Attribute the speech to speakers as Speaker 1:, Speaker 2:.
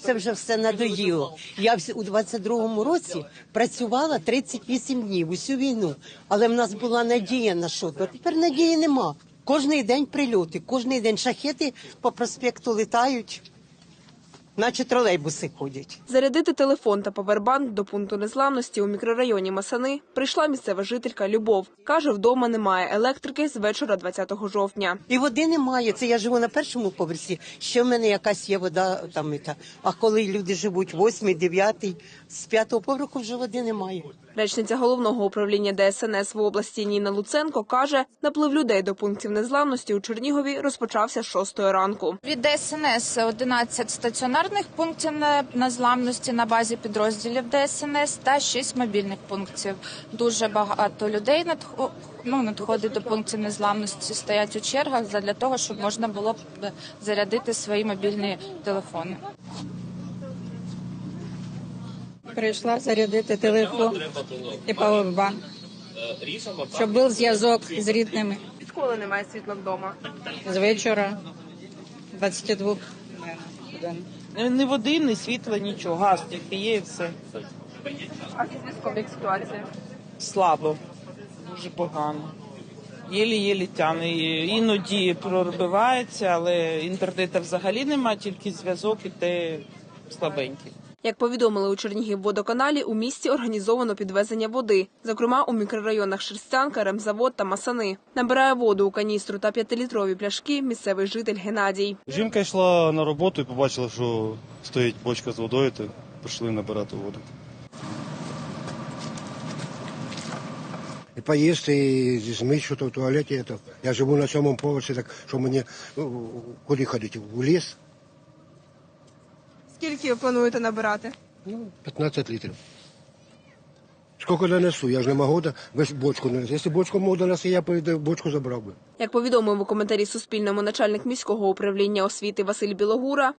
Speaker 1: це вже все надоїло. Я у 22-му році працювала 38 днів усю війну, але в нас була надія на що, а тепер надії нема. Кожний день прильоти, кожний день шахеди по проспекту літають, наче тролейбуси ходять.
Speaker 2: Зарядити телефон та павербанк до пункту незламності у мікрорайоні Масани прийшла місцева жителька Любов. Каже, вдома немає електрики з вечора 20 жовтня.
Speaker 1: І води немає. Це я живу на першому поверсі, ще в мене якась є вода там. А коли люди живуть 8-й, 9-й, з 5-го поверху вже води немає.
Speaker 2: Речниця головного управління ДСНС в області Ніна Луценко каже, наплив людей до пунктів незламності у Чернігові розпочався з 6 ранку.
Speaker 3: Від ДСНС 11 стаціонарних пунктів незламності на базі підрозділів ДСНС та 6 мобільних пунктів. Дуже багато людей надходить до пунктів незламності, стоять у чергах для того, щоб можна було зарядити свої мобільні телефони.
Speaker 4: Прийшла зарядити телефон і павербанк, щоб був зв'язок з рідними.
Speaker 2: Відколи немає світла вдома?
Speaker 4: З вечора 22 годин.
Speaker 5: Ні води, ні світла, нічого. Газ тільки є і все.
Speaker 2: А зі зв'язком як ситуація?
Speaker 5: Слабо, дуже погано. Єлі-єлі тягне. Іноді пробивається, але інтернету взагалі немає, тільки зв'язок і те слабенький.
Speaker 2: Як повідомили у Чернігівводоканалі, у місті організовано підвезення води. Зокрема, у мікрорайонах Шерстянка, Ремзавод та Масани. Набирає воду у каністру та 5-літрові пляшки місцевий житель Геннадій.
Speaker 6: Жінка йшла на роботу і побачила, що стоїть бочка з водою, то пішли набирати воду.
Speaker 7: І поїсти, і змити щось в туалеті. Я живу на 7-му поверсі, так що мені куди ходити? В ліс?
Speaker 2: Скільки плануєте набирати?
Speaker 7: 15 літрів. Скільки донесу? Я ж не можу весь бочку донести. Якщо бочку можу донести, я бочку забрав би.
Speaker 2: Як повідомив у коментарі Суспільному начальник міського управління освіти Василь Білогура,